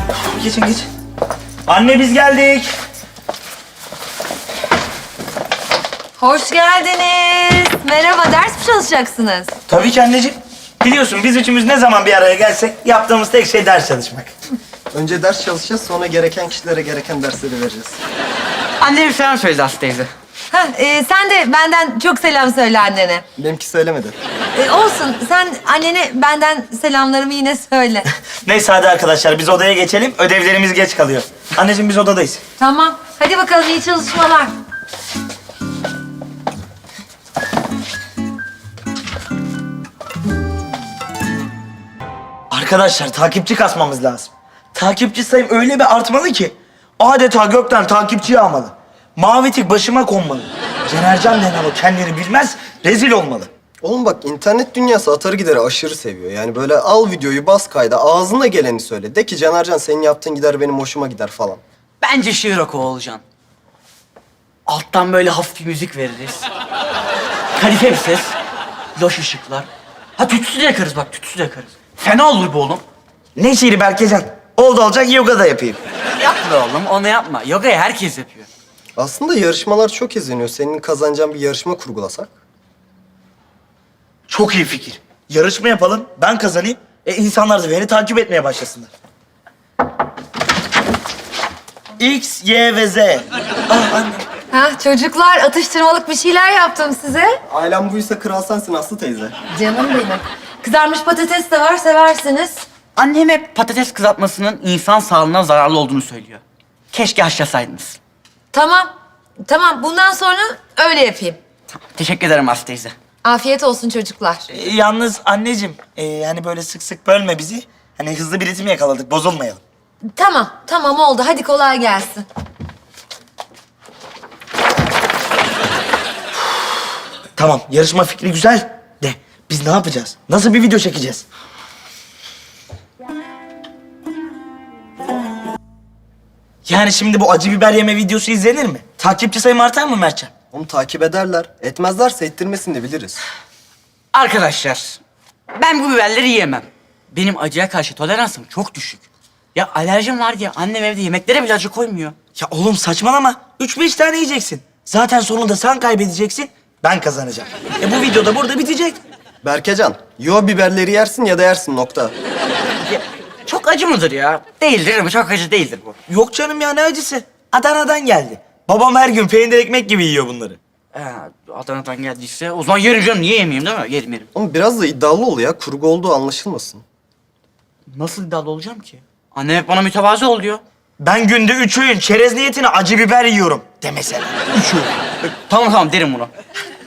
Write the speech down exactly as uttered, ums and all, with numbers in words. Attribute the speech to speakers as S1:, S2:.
S1: Geçin geç. Anne biz geldik.
S2: Hoş geldiniz. Merhaba, ders mi çalışacaksınız?
S1: Tabii ki anneciğim. Biliyorsun biz üçümüz ne zaman bir araya gelsek yaptığımız tek şey ders çalışmak.
S3: Önce ders çalışacağız, sonra gereken kişilere gereken dersleri vereceğiz.
S4: Anne bir selam söyledi Aslı teyze.
S2: Ha, e, sen de benden çok selam söyle annene.
S3: Benimki söylemedi.
S2: E, olsun, sen annene benden selamlarımı yine söyle.
S1: Neyse hadi arkadaşlar biz odaya geçelim. Ödevlerimiz geç kalıyor. Anneciğim biz odadayız.
S2: Tamam, hadi bakalım iyi çalışmalar.
S1: Arkadaşlar takipçi kasmamız lazım. Takipçi sayım öyle bir artmalı ki adeta gökten takipçi yağmalı. Mavi tik başıma konmalı. Cenercan denen o kendini bilmez, rezil olmalı.
S3: Oğlum bak, internet dünyası atarı gideri aşırı seviyor. Yani böyle al videoyu, bas kayda, ağzına geleni söyle. De ki Canercan senin yaptığın gider benim hoşuma gider falan.
S4: Bence şiir oku Oğulcan. Alttan böyle hafif bir müzik veririz. Kadife bir ses. Loş ışıklar. Ha tütsü de yakarız bak, tütsü de yakarız. Fena olur bu oğlum.
S1: Ne şiiri Berkecan? Oldu olacak yoga da yapayım.
S4: Yapma oğlum, onu yapma. Yoga'yı herkes yapıyor.
S3: Aslında yarışmalar çok izleniyor. Senin kazanacağın bir yarışma kurgulasak.
S1: Çok iyi fikir. Yarışma yapalım, ben kazanayım. E insanlar da beni takip etmeye başlasınlar. X, Y ve Z. Ah anne.
S2: Ha, çocuklar atıştırmalık bir şeyler yaptım size.
S3: Ailem buysa kral sensin Aslı teyze.
S2: Canım benim. Kızarmış patates de var, seversiniz.
S4: Annem hep patates kızartmasının insan sağlığına zararlı olduğunu söylüyor. Keşke haşlasaydınız.
S2: Tamam, tamam. Bundan sonra öyle yapayım.
S4: Tamam, teşekkür ederim Aslı teyze.
S2: Afiyet olsun çocuklar.
S1: E, yalnız anneciğim, e, yani böyle sık sık bölme bizi. Hani hızlı bir ritim yakaladık, bozulmayalım.
S2: Tamam, tamam oldu. Hadi kolay gelsin.
S1: Tamam, yarışma fikri güzel. De, biz ne yapacağız? Nasıl bir video çekeceğiz? Yani şimdi bu acı biber yeme videosu izlenir mi? Takipçi sayım artar mı Mertcan?
S3: Onu takip ederler. Etmezlerse ettirmesini de biliriz.
S4: Arkadaşlar, ben bu biberleri yiyemem. Benim acıya karşı toleransım çok düşük. Ya alerjim var diye annem evde yemeklere bile acı koymuyor.
S1: Ya oğlum saçmalama. Üç beş tane yiyeceksin. Zaten sonunda sen kaybedeceksin, ben kazanacağım. E bu video da burada bitecek.
S3: Berkecan, yo biberleri yersin ya da yersin nokta.
S4: Ya, çok acı mıdır ya? Değildir mi? Çok acı değildir bu.
S1: Yok canım ya, ne acısı? Adana'dan geldi. Babam her gün peynir ekmek gibi yiyor bunları.
S4: Ha, Adana'dan geldiyse o zaman yerim canım. Niye yemeyeyim değil mi? Yerim yerim.
S3: Ama biraz da iddialı ol ya. Kurgu olduğu anlaşılmasın.
S4: Nasıl iddialı olacağım ki? Annem hep bana mütevazı ol diyor.
S1: Ben günde üç öğün çerez niyetine acı biber yiyorum de mesela.
S4: Üç öğün. Tamam tamam derim bunu.